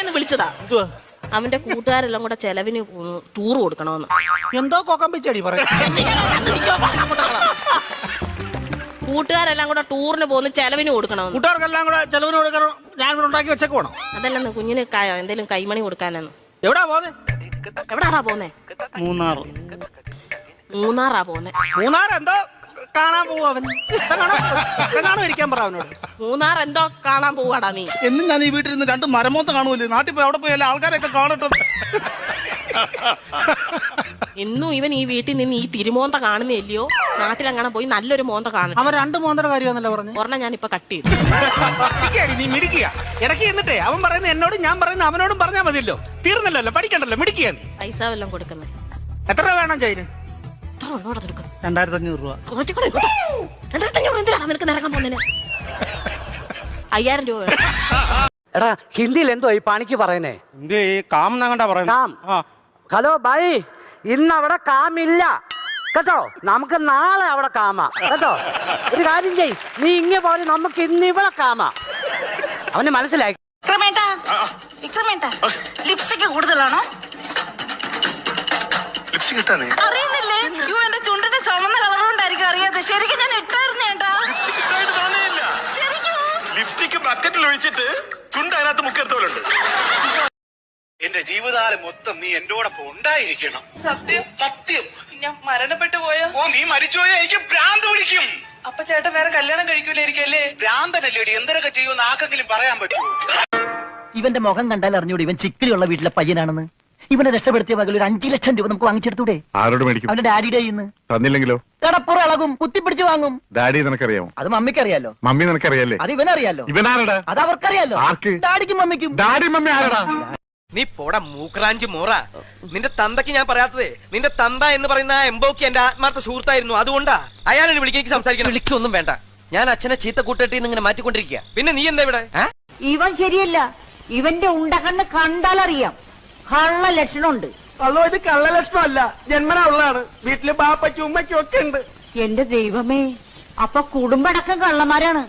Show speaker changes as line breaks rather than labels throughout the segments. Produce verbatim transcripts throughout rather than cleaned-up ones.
ഒന്ന് വിളിച്ചതാ. അവന്റെ കൂട്ടുകാരെല്ലാം കൂടെ ചെലവിന് ടൂർ കൊടുക്കണമെന്ന്.
എന്തോ കൊക്കം പിച്ചടി പറ.
കൂട്ടുകാരെല്ലാം കൂടെ ടൂറിന് പോകുന്ന ചെലവിന് കൊടുക്കണമെന്ന്.
കൂട്ടുകാർക്കെല്ലാം കൂടെ ചെലവിന് കൊടുക്കണം. ഞാൻ കൂടെ ഉണ്ടാക്കി വെച്ചേക്ക് പോണം.
അതല്ലെന്ന് കുഞ്ഞിന് എന്തേലും കൈമണി കൊടുക്കാനെന്ന്.
എവിടാ പോന്നെ?
എവിടാടാ പോന്നെ?
മൂന്നാർ.
മൂന്നാറാ പോന്നെ.
മൂന്നാർ എന്തോ കാണാൻ പോവാ അവൻ. കാണാൻ ഇരിക്കാൻ പറ അവനോട്.
മൂന്നാർ എന്തോ കാണാൻ പോവാടാ നീ.
എന്നും ഞാൻ ഈ വീട്ടിൽ നിന്ന് രണ്ട് മരമോത്ത് കാണുമല്ലോ. നാട്ടിൽ പോയി അവിടെ പോയി എല്ലാ ആൾക്കാരെയൊക്കെ കാണട്ടെ.
എന്നും ഇവൻ ഈ വീട്ടിൽ നിന്ന് ഈ തിരുമോന്ത കാണുന്നില്ലയോ? നാട്ടിലെങ്ങനെ പോയി നല്ലൊരു മോന്ത കാണും.
അവൻ രണ്ട് മോന്തയുടെ കാര്യമാണല്ലോ പറഞ്ഞു.
ഒരെണ്ണം ഞാൻ ഇപ്പൊ കട്ട് ചെയ്തു.
നീ മിടിക്കുക ഇടയ്ക്ക് എന്നിട്ടേ അവൻ പറയുന്നത് എന്നോട് ഞാൻ പറയുന്നത് അവനോടും പറഞ്ഞാൽ മതിയല്ലോ. തീർന്നല്ലോ, പഠിക്കണ്ടല്ലോ, മിടിക്കുക. നീ
പൈസ വല്ലതും കൊടുക്കുന്നത്
എത്ര രൂപ വേണം ചൈന്? രണ്ടായിരത്തി അഞ്ഞൂറ് രൂപ.
രണ്ടായിരത്തി അഞ്ഞൂറ് എന്തിനാണ് നിനക്ക് നിരക്കാൻ പോകുന്നതിന്? അയ്യായിരം രൂപ വേണം.
എടാ ഹിന്ദിയിൽ എന്തോ ഈ പണിക്ക് പറയുന്നേ?
കാം എന്നാ പറയുന്നത്.
ഹലോ ബൈ, ഇന്ന് അവിടെ കാമില്ല കേട്ടോ. നമുക്ക് നാളെ അവിടെ കാമാ കേട്ടോ. ഒരു കാര്യം ചെയ്, നീ ഇങ്ങനെ പോലെ നമുക്ക് ഇന്ന് ഇവിടെ കാമാ. അവന് മനസ്സിലായി.
ലിപ്സ്റ്റിക് കൂടുതലാണോ? അറിയുന്നില്ലേ? യു എന്റെ ചുണ്ടിന്റെ ചുമന്ന കളർ കൊണ്ടായിരിക്കും അറിയാതെ. ശരിക്കും ഞാൻ ഇട്ടായിരുന്നു ചേട്ടാ.
ലിപ്സ്റ്റിക് ബക്കറ്റിൽ ഒഴിച്ചിട്ട് ചുണ്ട് അതിനകത്ത് മുക്കെടുത്തോലുണ്ട്. എന്റെ ജീവിതകാലം മൊത്തം നീ എന്റോടൊപ്പം ഉണ്ടായിരിക്കണം.
സത്യം
സത്യം.
ഞാൻ മരണപ്പെട്ടു പോയോ?
ഓ നീ മരിച്ചുപോയാ എനിക്ക് ഭ്രാന്ത് പിടിക്കും.
അപ്പൊ ചേട്ടൻ വേറെ കല്യാണം കഴിക്കൂലായിരിക്കല്ലേ?
ഭ്രാന്തനല്ലേടി, എന്തൊക്കെ ചെയ്യുമെന്ന് ആർക്കെങ്കിലും പറയാൻ പറ്റുമോ?
ഇവന്റെ മുഖം കണ്ടാൽ അറിഞ്ഞൂടെ ഇവൻ ചിക്കിളിയുള്ള വീട്ടിലെ പയ്യനാണെന്ന്. ഇവനെ രക്ഷപ്പെടുത്തിയ പകൽ ഒരു അഞ്ചു ലക്ഷം രൂപ നമുക്ക് വാങ്ങിച്ചെടുത്തൂടെ?
ആരോട് മേടിക്കും?
അവന്റെ ഡാഡിയുടെ ഇന്ന്
തന്നില്ലെങ്കിലോ?
കടപ്പുറ ഇളകും, കുത്തിപ്പിടിച്ച് വാങ്ങും.
ഡാഡി നിനക്കറിയാമോ?
അത് മമ്മിക്ക് അറിയാലോ.
മമ്മി നിനക്കറിയാലേ?
അത് ഇവനറിയാലോ.
ഇവനാരടാ?
അത് അവർക്കറിയാലോ.
ആർക്ക്?
ഡാഡിക്കും മമ്മിക്കും.
ഡാഡി മമ്മി ആരടാ?
നീ പോടാ മൂക്രാഞ്ചി മോറ. നിന്റെ തന്തയ്ക്ക് ഞാൻ പറയാത്തത്, നിന്റെ തന്ത എന്ന് പറയുന്ന എംബോക്ക് എന്റെ ആത്മാർത്ഥ സുഹൃത്തായിരുന്നു. അതുകൊണ്ടാ അയാളെ വിളിക്കേക്ക് സംസാരിക്കണം. വിളിക്കൊന്നും വേണ്ട. ഞാൻ അച്ഛനെ ചീത്ത കൂട്ടിട്ട് ഇങ്ങനെ മാറ്റിക്കൊണ്ടിരിക്കുക. പിന്നെ നീ എന്താ ഇവിടെ?
ഇവൻ ശരിയല്ല. ഇവന്റെ ഉണ്ടകണ്ണ് കണ്ടാലറിയാം കള്ള ലക്ഷണമുണ്ട്.
അതോ ഇത് കള്ള ലക്ഷണമല്ല, ജന്മനാ ഉള്ളതാണ്. വീട്ടില് ബാപ്പയ്ക്കും ഉമ്മയ്ക്കും ഒക്കെ ഉണ്ട്.
എന്റെ ദൈവമേ, അപ്പൊ കുടുംബടക്കം കള്ളന്മാരാണ്.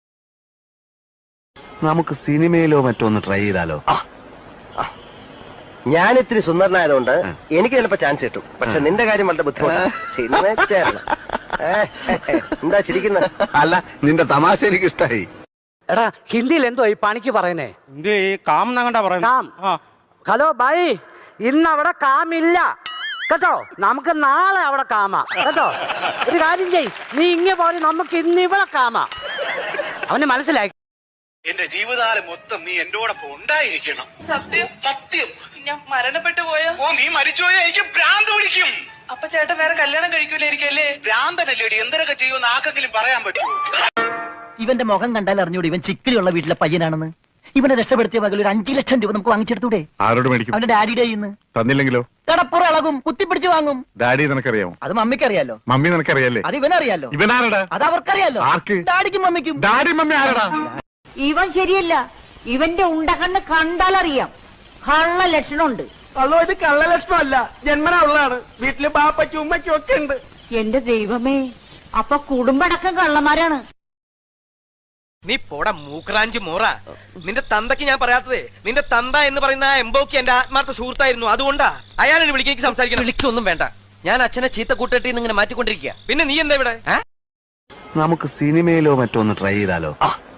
നമുക്ക് സിനിമയിലോ മറ്റോ ഒന്ന് ട്രൈ ചെയ്താലോ?
ഞാൻ ഇത്തിരി സുന്ദരനായതുകൊണ്ട് എനിക്ക് ചിലപ്പോ ചാൻസ് കിട്ടും. പക്ഷെ നിന്റെ കാര്യം വളരെ ബുദ്ധിമുട്ടാണ്. സിനിമ എന്താ ചിരിക്കുന്നത്?
അല്ല, നിന്റെ തമാശ എനിക്ക് ഇഷ്ടായി.
എടാ ഹിന്ദിയിൽ എന്തോ ഈ പണിക്ക് പറയുന്നേ?
കാം എന്നാ പറയുന്നത്.
ഹലോ ബൈ, ഇന്ന് അവിടെ കാമില്ല കേട്ടോ. നമുക്ക് നാളെ അവിടെ കാമാ കേട്ടോ. ഒരു കാര്യം ചെയ്, നീ ഇങ്ങനെ പോലെ നമുക്ക് ഇന്ന് ഇവിടെ കാമാ. അവന് മനസ്സിലായി.
എന്റെ ജീവിതകാലം മൊത്തം നീ എന്റോടൊപ്പം ഉണ്ടായിരിക്കണം.
സത്യം.
സത്യം.
ഞാൻ മരണപ്പെട്ടു പോയോ?
ഓ നീ മരിച്ചുപോയാ എനിക്ക് ഭ്രാന്ത് പിടിക്കും.
അപ്പൊ ചേട്ടൻ വേറെ കല്യാണം കഴിക്കൂലായിരിക്കല്ലേ?
ഭ്രാന്തനല്ലേടി, എന്തൊക്കെ ചെയ്യുമെന്ന് ആർക്കെങ്കിലും പറയാൻ പറ്റുമോ?
ഇവന്റെ മുഖം കണ്ടാൽ അറിഞ്ഞൂടെ ഇവൻ ചിക്കിളിയുള്ള വീട്ടിലെ പയ്യനാണെന്ന്. ഇവനെ രക്ഷപ്പെടുത്തിയ പകൽ ഒരു അഞ്ചു ലക്ഷം രൂപ നമുക്ക് വാങ്ങിച്ചെടുത്തൂടെ?
ആരോട് മേടിക്കും?
അവന്റെ ഡാഡിയുടെ ഇന്ന്
തന്നില്ലെങ്കിലോ?
കടപ്പുറ ഇളകും, കുത്തിപ്പിടിച്ച് വാങ്ങും.
ഡാഡി നിനക്കറിയാമോ?
അത് മമ്മിക്ക് അറിയാലോ.
മമ്മി നിനക്കറിയാലേ?
അത് ഇവനറിയാലോ.
ഇവനാരടാ?
അത് അവർക്കറിയാലോ.
ആർക്ക്?
ഡാഡിക്കും മമ്മിക്കും.
ഡാഡി മമ്മി ആരടാ?
ഇവൻ ശരിയല്ല. ഇവന്റെ ഉണ്ടകണ്ണ് കണ്ടാലറിയാം കള്ള ലക്ഷണമുണ്ട്.
അതോ ഇത് കള്ള ലക്ഷണമല്ല, ജന്മനാ ഉള്ളതാണ്. വീട്ടില് ബാപ്പയ്ക്കും ഉമ്മയ്ക്കും ഒക്കെ ഉണ്ട്.
എന്റെ ദൈവമേ, അപ്പൊ കുടുംബടക്കം കള്ളന്മാരാണ്.
നീ പോടാ മൂക്രാഞ്ചി മോറ. നിന്റെ തന്തയ്ക്ക് ഞാൻ പറയാത്തത്, നിന്റെ തന്ത എന്ന് പറയുന്ന എംബോക്ക് എന്റെ ആത്മാർത്ഥ സുഹൃത്തായിരുന്നു. അതുകൊണ്ടാ അയാളെ വിളിക്കേക്ക് സംസാരിക്കണം. വിളിക്കൊന്നും വേണ്ട. ഞാൻ അച്ഛനെ ചീത്ത കൂട്ടിട്ട് ഇങ്ങനെ മാറ്റിക്കൊണ്ടിരിക്കുക. പിന്നെ നീ എന്താ ഇവിടെ?
നമുക്ക് സിനിമയിലോ മറ്റോ ഒന്ന് ട്രൈ ചെയ്താലോ?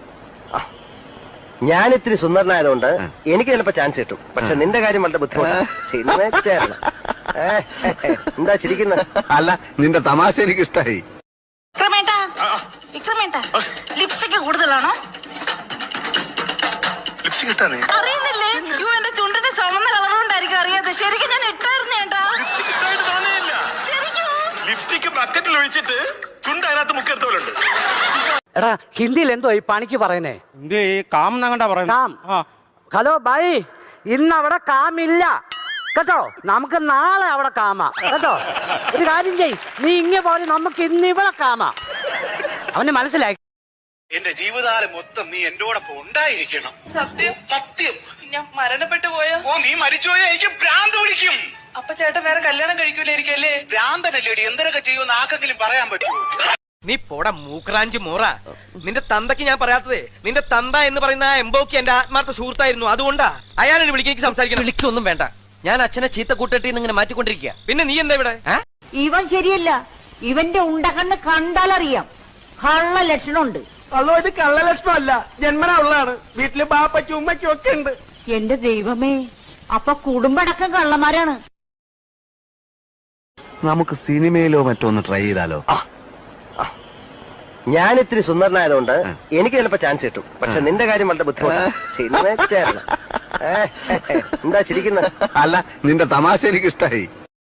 ഞാൻ ഇത്തിരി സുന്ദരനായതുകൊണ്ട് എനിക്ക് ചിലപ്പോ ചാൻസ് കിട്ടും. പക്ഷെ നിന്റെ കാര്യം വളരെ ബുദ്ധിമുട്ടാണ്. സിനിമ എന്താ ചിരിക്കുന്നത്?
അല്ല, നിന്റെ തമാശ എനിക്ക് ഇഷ്ടായി.
ലിപ്സ്റ്റിക് കൂടുതലാണോ?
ലിപ്സ്റ്റിക്
അറിയുന്നില്ലേ? യു എന്റെ ചുണ്ടിന്റെ ചുമന്ന കളർ കൊണ്ടായിരിക്കും അറിയാതെ. ശരിക്കും ഞാൻ ഇട്ടായിരുന്നു ചേട്ടാ.
ലിപ്സ്റ്റിക് ബക്കറ്റിൽ ഒഴിച്ചിട്ട് ചുണ്ട് അതിനകത്ത് മുക്കെടുത്തോലുണ്ട്.
എടാ ഹിന്ദിയിൽ എന്തോ ഈ പണിക്ക് പറയുന്നേ?
കാം എന്നാ പറയുന്നത്.
ഹലോ ബൈ, ഇന്ന് അവിടെ കാമില്ല കേട്ടോ. നമുക്ക് നാളെ അവിടെ കാമാ കേട്ടോ. ഒരു കാര്യം ചെയ്, നീ ഇങ്ങനെ പോലെ നമുക്ക് ഇന്ന് ഇവിടെ കാമാ. അവന് മനസ്സിലായി.
എന്റെ ജീവിതകാലം മൊത്തം നീ എന്റോടൊപ്പം ഉണ്ടായിരിക്കണം.
സത്യം.
സത്യം.
ഞാൻ മരണപ്പെട്ടു പോയോ?
ഓ നീ മരിച്ചുപോയാ എനിക്ക് ഭ്രാന്ത് പിടിക്കും.
അപ്പൊ ചേട്ടൻ വേറെ കല്യാണം കഴിക്കൂലായിരിക്കല്ലേ?
ഭ്രാന്തനല്ലേടി, എന്തൊക്കെ ചെയ്യുമെന്ന് ആർക്കെങ്കിലും പറയാൻ പറ്റുമോ?
നീ പോടാ മൂക്രാഞ്ചി മോറ. നിന്റെ തന്തയ്ക്ക് ഞാൻ പറയാത്തതേ, നിന്റെ തന്ത എന്ന് പറയുന്ന ആ എംബോക്കി എന്റെ ആത്മാർത്ഥ സുഹൃത്തായിരുന്നു. അതുകൊണ്ടാ അയാളെ വിളിക്കാൻ എനിക്ക് സംസാരിക്കണം. വിളിക്കൊന്നും വേണ്ട, ഞാൻ അച്ഛനെ ചീത്ത കൂട്ടിട്ട് ഇങ്ങനെ മാറ്റിക്കൊണ്ടിരിക്കുക. പിന്നെ നീ എന്താ ഇവിടെ?
ഇവൻ ശരിയല്ല. ഇവന്റെ ഉണ്ടകണ്ണ് കണ്ടാലറിയാം കള്ള ലക്ഷണമുണ്ട്.
അതോ ഇത് കള്ള ലക്ഷണമല്ല, ജന്മനാ ഉള്ളതാണ്. വീട്ടില് ബാപ്പയ്ക്കും ഉമ്മയ്ക്കും ഒക്കെ ഉണ്ട്.
എന്റെ ദൈവമേ, അപ്പൊ കുടുംബടക്കം കള്ളന്മാരാണ്.
നമുക്ക് സിനിമയിലോ മറ്റോ ഒന്ന് ട്രൈ ചെയ്താലോ?
ഞാൻ ഇത്തിരി സുന്ദരനായതുകൊണ്ട് എനിക്ക് ചിലപ്പോ ചാൻസ് കിട്ടും. പക്ഷെ നിന്റെ കാര്യം വളരെ ബുദ്ധിമുട്ടാണ്. എന്താ ചിരിക്കുന്നത്?
അല്ല, നിന്റെ തമാശ എനിക്ക് ഇഷ്ടായി.